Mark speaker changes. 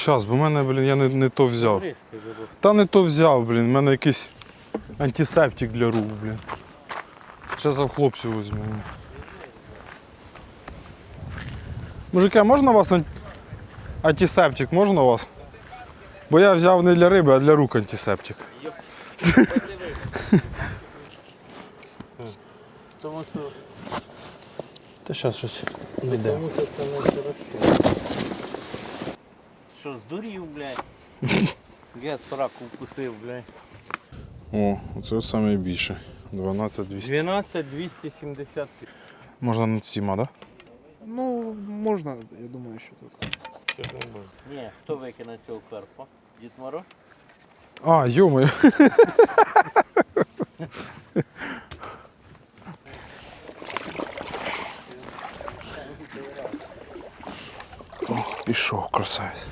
Speaker 1: Щас, бо в мене, блін, я не то взяв. Та не то взяв, блін, в мене якийсь антисептик для рук, блін. Зараз я в хлопців візьму. Мужики, а можна у вас антисептик, можна у вас? Бо я взяв не для риби, а для рук антисептик.
Speaker 2: Тому що...
Speaker 1: Та зараз щось не йде.
Speaker 2: Тому що це не хорошо. Що, здурів, блядь? Я сраку вкусив, блядь.
Speaker 1: О, оце найбільше. 12200.
Speaker 2: 12,270.
Speaker 1: Можна над всіма, так? Да?
Speaker 3: Ну, можна, я думаю, що тут.
Speaker 2: Ні, хто викине цього карпа? Дід Мороз?
Speaker 1: А, йо-моє. Пішов, красавець.